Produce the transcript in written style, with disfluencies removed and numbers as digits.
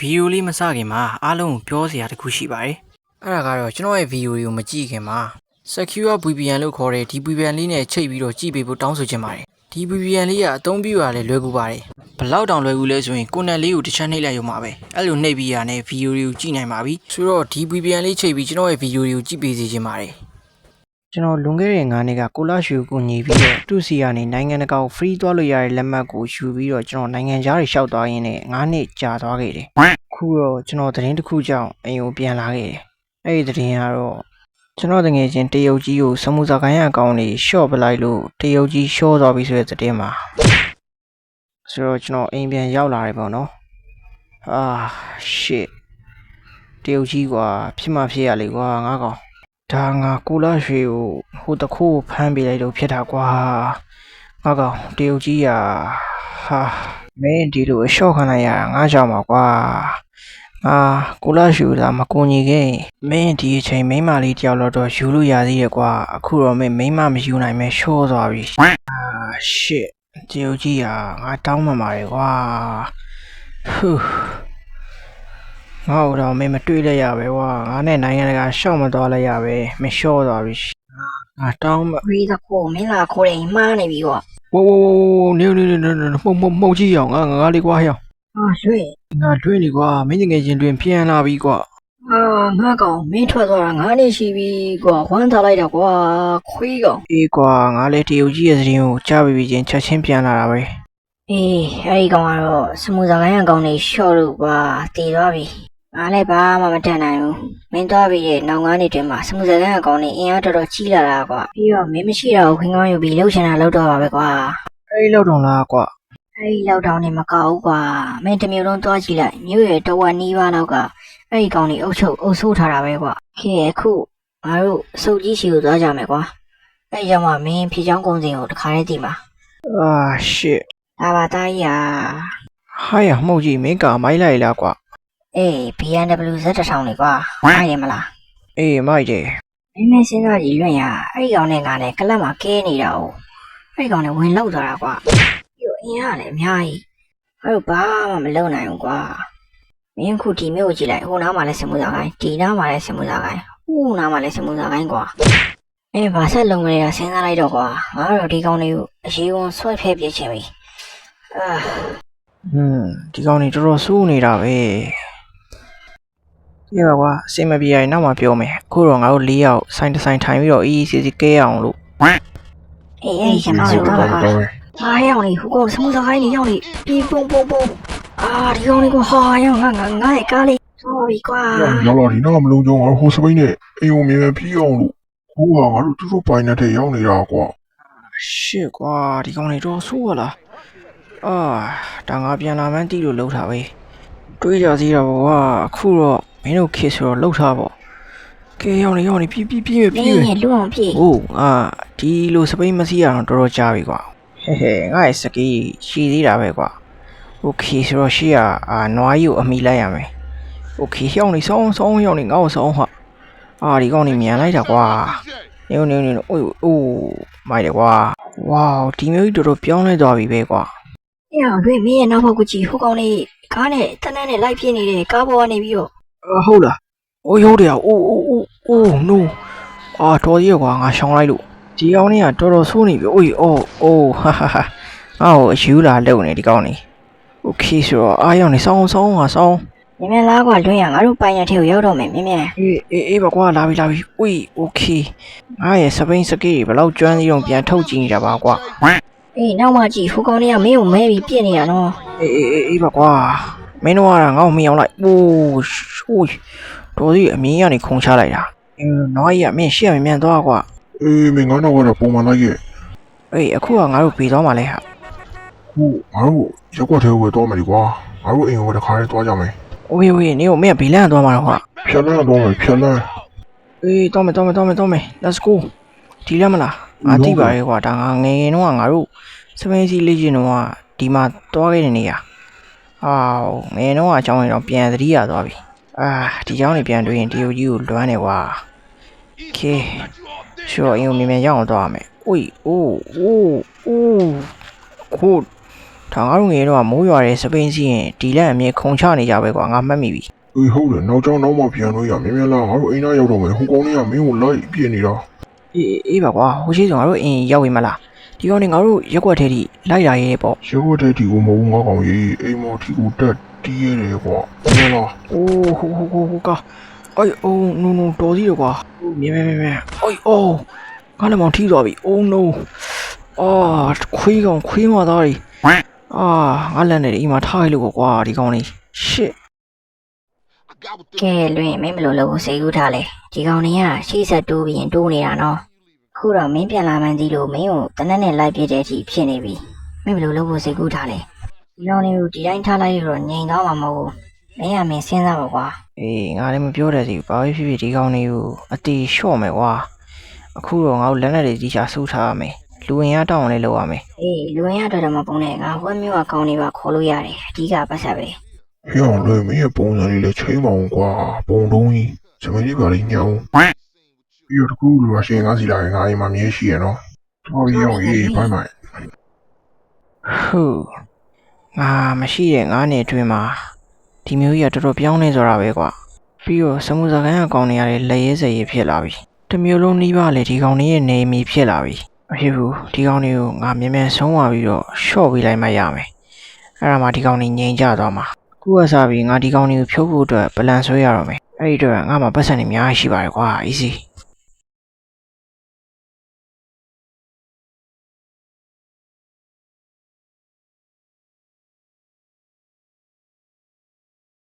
video လေးမစခင်မှာအားလုံးကိုပြောစရာတခုရှိပါတယ်။အဲ့ဒါကတော့ကျွန်တော်ရဲ့ video တွေကိုမကြည့်ခင်မှာ Secure VPN လို့ခေါ်တဲ့ဒီ VPN လေးနဲ့ချိတ်ပြီးတော့ကြည့်ပေးဖို့တောင်းဆိုချင်ပါတယ်။ဒီ VPN လေးကအသုံးပြုရလဲလွယ်ကူပါတယ်။ဘလောက်တောင်လွယ်ကူလဲဆိုရင်ကိုယ်နဲ့လေးကိုတစ်ချက်နှိပ်လိုက်ရုံပါပဲ။အဲ့လိုနှိပ်ပြီးရတဲ့ video တွေကိုကြည့်နိုင်ပါပြီ။ဆိုတော့ဒီ VPN လေးချိတ်ပြီးကျွန်တော်ရဲ့ video တွေကိုကြည့်ပေးစီချင်ပါတယ်။ကျွန်တော်လွန်ခဲ့တဲ့9နှစ်ကကိုလာရွှေကိုညီပြီးတော့သူ့စီကနေနိုင်ငံတကာကို free သွားလို့ရတဲ့လက်မှတ်ကိုယူပြီးတော့ကျွန်တော်နိုင်ငံခြားတွေလျှောက်သွားရင်းနဲ့9နှစ်ကြာသွားခဲ့တယ်။ခုတော့ကျွန်တော်သတင်းတစ်ခုကြောင့်အိမ်ကိုပြန်လာခဲ့တယ်။အဲ့ဒီသတင်းကတော့ကျွန်တော်တငယ်ချင်းတရုတ်ကြီးကိုစမှုစာကိုင်းအကောင့်တွေရှော့ပလိုက်လို့တရုတ်ကြီးရှော့သွားပြီဆိုတဲ့သတင်းမှာဆိုတော့ကျွန်တော်အိမ်ပြန်ရောက်လာတယ်ပေါ့နော်။shit တရုတ်ကြီးကွာဖြစ်မှဖြစ်ရလေကွာငါကောင်ဒါငါကိုလာရွှေကိုဟိုတခိုးဖမ်းပေးလိုက်လို့ဖြစ်တာကွာငါကောင်တရုတ်ကြီးမင်းဒီလိုရှော့ခံလိုက်ရတာငါကြောင့်ပါကွာကိုလာရွှေလာမကူညီခဲ့မင်းဒီအချိန်မိန်းမလေးတယောက်တော့ယူလို့ရသေးတယ်ကွာအခုတော့မင်းမိန်းမမယူနိုင်မဲရှော့သွားပြီshit တရုတ်ကြီးငါတောင်းမှမှာလေကွာငါ့တော့မင်းမတွေ့လိုက်ရပဲကွာငါနဲ့နိုင်ငံတကာရှော့မသွားလိုက်ရပဲမရှော့သွားပြီငါတောင်းမှဝေးတခိုးမင်းလာခိုးတယ်မှားနေပြီကွာဝနေမှုတ်ကြည့်အောင်ငါလေးကွာဟဲ့ရွှေငါတွေ့နေကွာမင်းငယ်ချင်းတွင်ပြန်လာပြီကွာငါကောင်မင်းထွက်သွားတာ9နှစ်ရှိပြီကွာဝမ်းထားလိုက်တော့ကွာခွေးကောင်အေးကွာငါလည်းတရုတ်ကြီးရဲ့သတင်းကိုကြားပြီးချင်းချက်ချင်းပြန်လာတာပဲအေးအဲ့ဒီကောင်ကတော့စမှုစာကိုင်းအကောင်တွေရှော့လို့ကွာတည်သွားပြီငါလည်းဘာမှမတတ်နိုင်ဘူးမင်းသွားပြီးတဲ့နောက်9နှစ်တွင်မှာစမှုစာကိုင်းအကောင်တွေအင်အားတော်တော်ကြီးလာတာကွာပြီးတော့မင်းမရှိတော့ခွင်းကောင်းယူပြီးလှုပ်ရှင်တာလှုပ်တော့ပါပဲကွာအဲ့လောက်တော့လားကွာအဲ့ဒီလောက်တောင်နေမကောက်ဘူးကွာမင်းတမျိုးလုံးသွားကြည့်လိုက်မြို့ရဲ့တဝက်နီးပါးလောက်ကအဲ့ဒီကောင်တွေအုပ်ဆိုးထားတာပဲကွာခေအခုငါတို့စုပ်ကြီးစီကိုသွားကြမယ်ကွာအဲ့ကြောင့်မှမင်းဖြေချောင်းကုန်းစင်ကိုတခါတည်းတည်မှာ shit ဒါပါသားကြီးဟာရမှုတ်ကြီးမင်းကမိုက်လိုက်လားကွာအေး BMW Z1000 လေကွာမိုက်တယ်မလားအေးမိုက်တယ်မင်းစဉ်းစားကြည့်လွင့်ရအဲ့ဒီကောင်နဲ့ငါနဲ့ကလပ်မှာကဲနေတာ哦အဲ့ဒီကောင်နဲ့ဝင်လောက်သွားတာကွာအင်းရတယ်အများကြီးအဲ့တော့ဘာမှမလုပ်နိုင်ဘူးကွာမင်းခုဒီမျိုးကိုကြည့်လိုက်ဟိုနားမှာလည်းစမှုစာကိုင်းဒီနားမှာလည်းစမှုစာကိုင်းဟိုနားမှာလည်းစမှုစာကိုင်းကွာဘာဆက်လုံးလဲစဉ်းစားလိုက်တော့ကွာငါတို့ဒီကောင်တွေကိုအရေးဝန်ဆွဲဖဲပြချင်ပြီဒီကောင်တွေတော်တော်စိုးနေတာပဲဒီပါကွာအစင်မပြေရင်နောက်မှပြောမယ်အခုတော့ငါတို့4ယောက်ဆိုင်တစ်ဆိုင်ထိုင်ပြီးတော့အေးစီကဲအောင်လို့အေးကျွန်တော်တို့တော့ရောက်နေဟိုကောင်စမှုစာကိုင်းနေရောက်နေပြီးပုံဒီကောင်လေးကရောက်ငါရဲ့ကားလေးသွားပြီကွာရောက်လာဒီနောက်မလုံးကြုံငါဟိုစပိန်နဲ့အိမ်ုံမြင်ပြီးအောင်လို့ဟိုကငါတို့သူတို့ပိုင်နေတဲ့ရောက်နေတာကွာရှစ်ကွာဒီကောင်လေးတော့ဆိုးရလားဒါငါပြန်လာမှန်းတီးလို့လှုပ်တာပဲတွေးကြသေးတာပေါ့ကွာအခုတော့မင်းတို့ခေဆိုတော့လှုပ်ထားပေါ့ကဲရောက်နေပြီးလူအောင်ပြေးဒီလိုစပိန်မစီးရအောင်တော်တော်ကြာပြီကွာငါ့ရဲ့စကီးရှိသေးတာပဲကွာโอเคဆိုတော့ရှေ့ကနွားကြီးကိုအမိလိုက်ရမယ်โอเคဟျောင်းနေဆောင်းရောက်နေငါ့ကိုဆောင်းဟာဒီကောင်နေမြန်လိုက်တာကွာနေအိုးမိုက်တယ်ကွာဝေါဒီမျိုးကြီးတော်တော်ပြောင်းလဲသွားပြီပဲကွာတွေ့မင်းရဲ့နောက်ဘက်ကိုကြည့်ဟိုကောင်လေးကားနဲ့တန်းနဲ့လိုက်ပြင်းနေတဲ့ကားပေါ်ကနေပြီးတော့ဟုတ်လားရုပ်တယ်no တော်ကြီးကွာငါရှောင်းလိုက်လို့ဒီကောင်လေးကတော်တော်ဆိုးနေပြီဟာငါ့ကိုအယူလာလုံနေဒီကောင်လေးโอเคဆိုတော့ရောက်နေဆောင်းမြင်လားကွာလွှင့်ရငါတို့ပိုင်ရထဲကိုရောက်တော့မယ်မြင်အေးပါကွာလာပြီโอเคငါရဲ့စပိန်စကေးဘယ်လောက်ကျွမ်းသေးတော့ပြန်ထုတ်ကြည့်နေတာပါကွာနောက်မှကြည့်ဟိုကောင်လေးကမင်းကိုမဲပြီးပြစ်နေတာနော်အေးပါကွာမင်းတို့ကငါ့ကိုမင်းအောင်လိုက်တော်ကြီးအမြင်ကနေခုံချလိုက်တာနွားကြီးကမင်းရှေ့မြန်သွားကွာမင်းငါတော့ကတော့ပုံမှန်လိုက်ရဲ့အခုကငါတို့ပြေးသွားမှလဲဟာငါတို့ရက်ွက်ထဲဝယ်တော့မယ်ကွာငါတို့အိမ်ကိုတခါလေးသွားကြမယ်โอเคနေကိုမင်းကဘေးလန်းသွားမှာတော့ကွာဖြတ်လန်းတော့မယ်သွားမယ် let's go ဒီလမ်းမလားတိပါရဲ့ကွာဒါငါငယ်တော့ငါတို့စပိန်စီလေးချင်းတော့ဒီမှာသွားခဲ့တဲ့နေရာငယ်တော့အကြောင်းရင်တော့ပြန်သတိရသွားပြီဒီเจ้าနေပြန်တွေ့ရင်တရုတ်ကြီးကိုလွမ်းနေကွာโอเคရှော့အင်းကိုမြန်ရောက်အောင်သွားရမယ်ခုဒါငါတို့ငယ်တော့မိုးရွာတဲ့စပိန်စီးရင်ဒီလက်အမြင်ခုံချနေကြပဲကွာငါမှတ်မိပြီအေးဟုတ်တယ်နောက်ကျောင်းနောက်မှပြန်လို့ရမြင်မြင်လားငါတို့အိမ်သားရောက်တော့မယ်ဟိုကောင်လေးကမင်းကိုလိုက်ပြည့်နေတာအေးပါကွာဟိုရှိဆိုငါတို့အိမ်ရောက်ပြီမလားဒီကောင်နေငါတို့ရက်ွက်ထဲထိလိုက်လာရေးပေါ့ရုပ်ဝတ်တဲ့ဒီကိုမဟုတ်ငါကောင်ကြီးအိမ်မော်ထီကိုတက်တီးရတယ်ကွာမြင်လားအိုးဟိုကအိုးno တော်စီတော့ကွာမြင်အိုးငါလည်းမောင်ထိသွားပြီ oh no ခွေးမသားကြီးငါလက်နဲ့အိမ်မှာထားလိုက်လို့ကွာဒီကောင်လေး shit ကဲလွင်မင်းဘယ်လိုလုပ်ဖို့စိတ်ကူးထားလဲဒီကောင်တွေကရှေ့ဆက်တိုးပြီးရင်တိုးနေတာနော်ခုတော့မင်းပြန်လာမှန်းကြီးလို့မင်းကိုတနက်နဲ့လိုက်ပြတဲ့အထိဖြစ်နေပြီမင်းဘယ်လိုလုပ်ဖို့စိတ်ကူးထားလဲဒီကောင်တွေကိုဒီတိုင်းထားလိုက်ရတော့ငြိမ်သွားမှာမဟုတ်ဘူးမင်းကမင်းစဉ်းစားပါကွာအေးငါလည်းမပြောတတ်စီဘာဖြစ်ဖြစ်ဒီကောင်လေးကိုအတီလျှော့မယ်ကွာအခုတော့ငါတို့လက်နဲ့တွေတီချာစူးထားရမယ်လူဝင်ရတောင်းလည်းလုပ်ရမယ်အေးလူဝင်ရတော့တော့မပုံနဲ့ငါဟိုမျိုးအကောင်တွေပါခေါ်လို့ရတယ်အဓိကပတ်ဆက်ပဲဟေ့အောင်လေမင်းရဲ့ပုံစံလေးလည်းချိန်မအောင်ကွာပုံတုံးကြီးစမင်းလေးပါလိညောင်းပြီးတော့တကူလူကရှင်ငါစီလာရင်ငါအိမ်မှာမြဲရှိရနော်တော်ပြီအောင်ရေးဘိုင်းဘိုင်းဟုတ်ငါမရှိတဲ့ငါးနှစ်အတွင်းမှာဒီမျိုးကြီးကတော်တော်ပြောင်းနေဆိုတာပဲကွာပြီးတော့စမှုစကန်အကောင်တွေရတယ်လက်ရဲစရဲဖြစ်လာပြီတမျိုးလုံးနှီးပါလေဒီကောင်တွေရဲ့နေမီဖြစ်လာပြီမဖြစ်ဘူးဒီကောင်တွေကိုငါမြန်ဆုံးသွားပြီးတော့ရှော့ပေးလိုက်မှရမယ်အဲ့ဒါမှဒီကောင်တွေငြိမ်ကြသွားမှာခုကစားပြီးငါဒီကောင်တွေကိုဖြုတ်ဖို့အတွက်ပလန်ဆွဲရတော့မယ်အဲ့ဒီတော့ငါမှပတ်စံနေအများကြီးရှိပါတယ်ကွာ easy